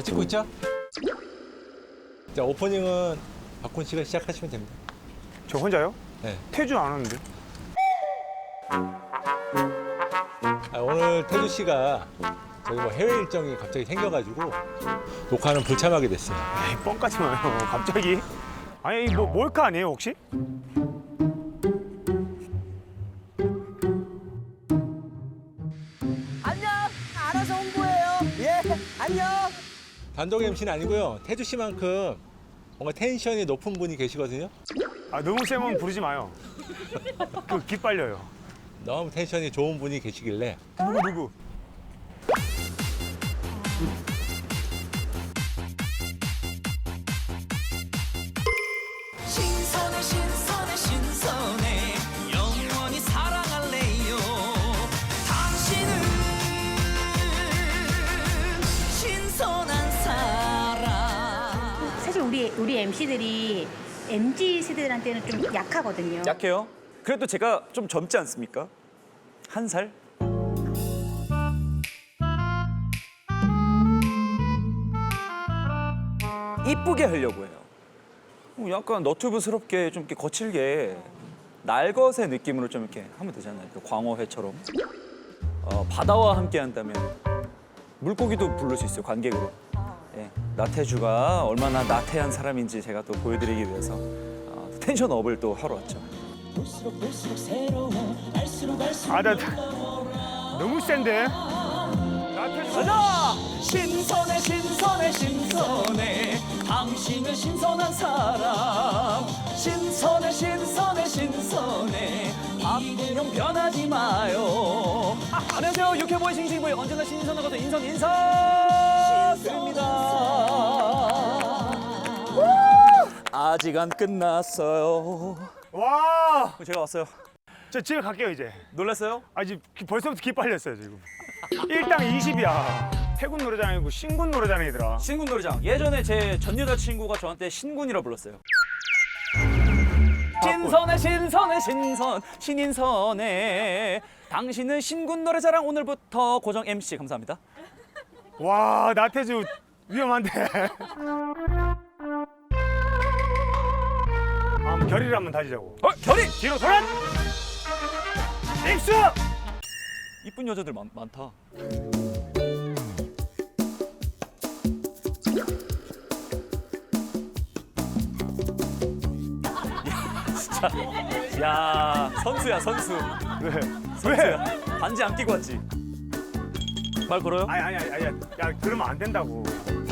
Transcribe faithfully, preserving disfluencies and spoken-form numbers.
찍고 있죠? 자, 오프닝은 박훈 씨가 시작하시면 됩니다. 저 혼자요? 네. 태주 안 하는데. 아, 오늘 태주 씨가 저희 뭐 해외 일정이 갑자기 생겨가지고 녹화는 불참하게 됐어요. 에이, 뻥까지 마요. 갑자기. 아니, 뭐 몰카 아니에요, 혹시? 안녕. 알아서 홍보해요. 예. 안녕. 단독 엠씨는 아니고요. 태주 씨만큼 뭔가 텐션이 높은 분이 계시거든요. 아, 너무 세면 부르지 마요. 그 기빨려요. 너무 텐션이 좋은 분이 계시길래 누구 누구? 신선해 신선해 신선해 영원히 사랑할래요 당신은 신선한 사람 사실 우리 우리 엠씨들이 엠지 세대들한테는 좀 약하거든요. 약해요? 그래도 제가 좀 젊지 않습니까? 한 살? 이쁘게 하려고 해요. 어, 약간 너튜브스럽게 좀 이렇게 거칠게 날것의 느낌으로 좀 이렇게 하면 되잖아요. 그 광어회처럼. 어, 바다와 함께 한다면 물고기도 부를 수 있어요, 관객으로. 예, 나태주가 얼마나 나태한 사람인지 제가 또 보여드리기 위해서 어, 텐션업을 또 하러 왔죠. 볼수록 볼수록 새로워 알수록 알수록 아, 나, 나 너무 센데? 가자! 신선해 신선해 신선해 당신은 신선한 사람 신선해 신선해 신선해 박근형 변하지 마요 안녕하세요 유쾌보이 싱싱보이 언제나 신선하거든 인선 인사 드립니다 아직 안 끝났어요 와! 제가 왔어요. 저 집에 갈게요, 이제. 놀랐어요? 아, 지금 기- 벌써부터 기빨렸어요, 지금. 일당 이십이야. 해군 노래장이고 신군 노래장이더라. 신군 노래장. 예전에 제 전 여자친구가 저한테 신군이라 불렀어요. 신선해 신선해 신선 신인선해 당신은 신군 노래자랑 오늘부터 고정 엠씨 감사합니다. 와, 나태주 위험한데. 아, 한번 결의를 한번 다지자고. 어 결이 뒤로 돌아! 입수! 이쁜 여자들 많, 많다. 야, 진짜. 야 선수야 선수. 왜? 선수야. 반지 안 끼고 왔지. 말 걸어요? 아니, 아니, 아니, 아니. 야, 그러면 안 된다고.